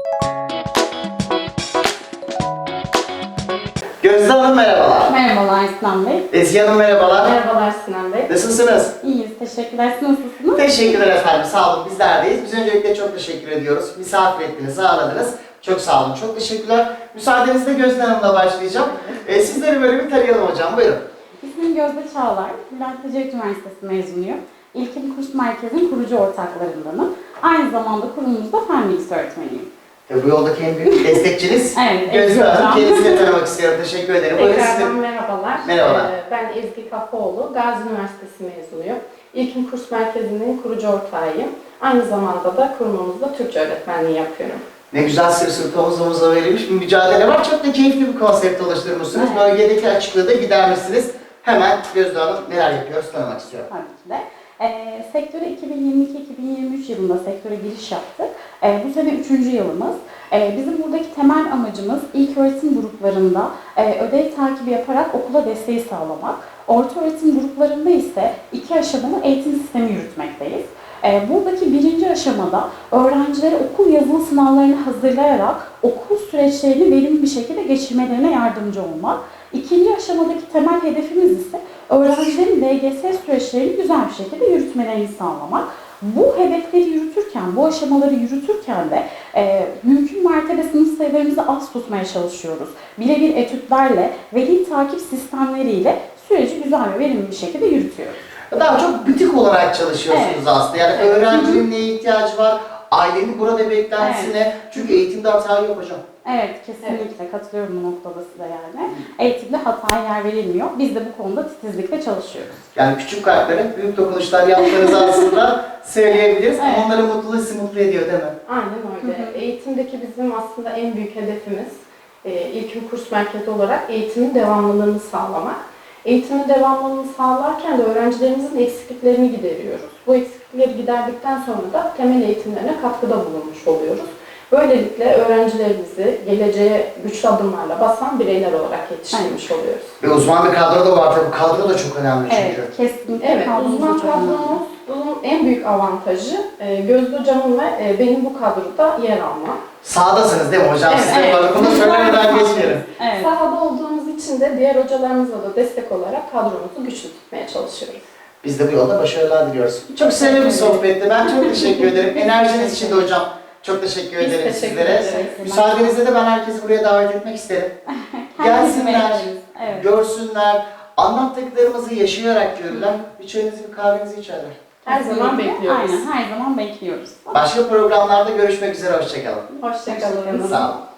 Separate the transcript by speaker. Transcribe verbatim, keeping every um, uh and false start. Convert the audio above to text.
Speaker 1: Gözde Hanım merhabalar.
Speaker 2: Merhabalar Sinan Bey.
Speaker 1: Ezgi Hanım merhabalar.
Speaker 2: Merhabalar Sinan Bey.
Speaker 1: Nasılsınız?
Speaker 2: İyiyiz, teşekkürler. Siz nasılsınız?
Speaker 1: Teşekkürler efendim, sağ olun. Bizlerdeyiz. Biz öncelikle çok teşekkür ediyoruz. Misafir ettiniz, ağırladınız. Çok sağ olun, çok teşekkürler. Müsaadenizle Gözde Hanım'la başlayacağım. Ee, sizleri böyle bir tarayalım hocam, buyurun.
Speaker 2: İsmim Gözde Çağlar. Bülent Ecevit Üniversitesi mezunuyum. İlkim Kurs Merkezi'nin kurucu ortaklarındanım. Aynı zamanda kurumumuzda fen bilgisi öğretmeniyim.
Speaker 1: Ve bu yoldaki en büyük destekçiniz
Speaker 2: Evet,
Speaker 1: Gözde
Speaker 2: Ezgi
Speaker 1: Hanım.
Speaker 2: hocam.
Speaker 1: Kendisini tanımak istiyorum, teşekkür ederim. Buyurun siz de-
Speaker 3: Tekrardan merhabalar.
Speaker 1: Merhabalar.
Speaker 3: Ee, Ben Ezgi Kafaoğlu, Gazi Üniversitesi mezunuyum. İlkim Kurs Merkezi'nin kurucu ortağıyım. Aynı zamanda da kurumumuzda Türkçe öğretmenliği yapıyorum.
Speaker 1: Ne güzel sırt sırta omuz omuza verilmiş bir mücadele var. Çok da keyifli bir konsept oluşturmuşsunuz.
Speaker 2: Evet.
Speaker 1: Bölgedeki açıklığı da gidermişsiniz. Hemen Gözde Hanım neler yapıyoruz tanımak istiyorum.
Speaker 2: Tabii ki de. E, sektöre iki bin yirmi iki iki bin yirmi üç yılında sektöre giriş yaptık. E, bu sene üçüncü yılımız. E, bizim buradaki temel amacımız ilk öğretim gruplarında e, ödev takibi yaparak okula desteği sağlamak. Orta öğretim gruplarında ise iki aşamalı eğitim sistemi yürütmekteyiz. E, buradaki birinci aşamada öğrencilere okul yazılı sınavlarını hazırlayarak okul süreçlerini verimli bir şekilde geçirmelerine yardımcı olmak. İkinci aşamadaki temel hedefimiz ise öğrencilerin L G S süreçlerini güzel bir şekilde yürütmelerini sağlamak. Bu hedefleri yürütürken, bu aşamaları yürütürken de e, mümkün mertebe sınıf sayılarımızı az tutmaya çalışıyoruz. Birebir etütlerle, veli takip sistemleriyle süreci güzel ve verimli bir şekilde yürütüyoruz.
Speaker 1: Daha çok butik olarak çalışıyorsunuz
Speaker 2: Evet.
Speaker 1: aslında. Yani
Speaker 2: Evet.
Speaker 1: öğrencinin neye ihtiyacı var, ailenin burada beklentisine. Çünkü eğitimde hata yok hocam.
Speaker 2: Evet, kesinlikle katılıyorum bu noktada size yani. Eğitimde hataya yer verilmiyor. Biz de bu konuda titizlikle çalışıyoruz.
Speaker 1: Yani küçük kalplere büyük dokunuşlar yaptığınızı aslında söyleyebiliriz.
Speaker 2: Evet.
Speaker 1: Ama onların mutluluğu sizi mutlu ediyor değil mi?
Speaker 3: Aynen öyle.
Speaker 2: Hı hı.
Speaker 3: Eğitimdeki bizim aslında en büyük hedefimiz e, İlkim Kurs Merkezi olarak eğitimin devamlılığını sağlamak. Eğitimin devamlılığını sağlarken de öğrencilerimizin eksikliklerini gideriyoruz. Bu eksiklikleri giderdikten sonra da temel eğitimlerine katkıda bulunmuş oluyoruz. Böylelikle öğrencilerimizi geleceğe güçlü adımlarla basan bireyler olarak yetiştirmiş oluyoruz.
Speaker 1: Ve uzman bir kadro da var tabii. Kadro da çok önemli çünkü.
Speaker 2: Evet, kesinlikle.
Speaker 3: Evet,
Speaker 2: kadromuz
Speaker 3: uzman
Speaker 2: çok önemli.
Speaker 3: kadromuzun en büyük avantajı e, Gözde Hocam'ın ve e, benim bu kadroda yer almam.
Speaker 1: Sağdasınız değil mi hocam?
Speaker 3: Evet,
Speaker 1: Size
Speaker 3: evet.
Speaker 1: bunu söylemeden geçmeyelim.
Speaker 2: Evet.
Speaker 3: Sahada olduğumuz için de diğer hocalarımıza da destek olarak kadromuzu güçlü tutmaya çalışıyoruz.
Speaker 1: Biz de bu yolda başarılar diliyoruz. Çok sevimli bir sohbetti. Ben çok teşekkür ederim. Enerjiniz için de hocam çok teşekkür
Speaker 3: Biz
Speaker 1: ederim
Speaker 3: teşekkür
Speaker 1: sizlere.
Speaker 3: ederiz.
Speaker 1: Müsaadenizle de ben herkesi buraya davet etmek isterim.
Speaker 2: Herkesi
Speaker 1: Gelsinler,
Speaker 2: bekleriz. Evet.
Speaker 1: görsünler, anlattıklarımızı yaşayarak görürler. Bir çayınızı, bir kahvenizi içerler.
Speaker 3: Her zaman
Speaker 2: Kesinlikle.
Speaker 3: bekliyoruz.
Speaker 2: Aynen, her zaman bekliyoruz.
Speaker 1: Başka programlarda görüşmek üzere. Hoşçakalın.
Speaker 3: Hoşçakalın.
Speaker 2: Hoşçakalın.
Speaker 1: Sağ olun.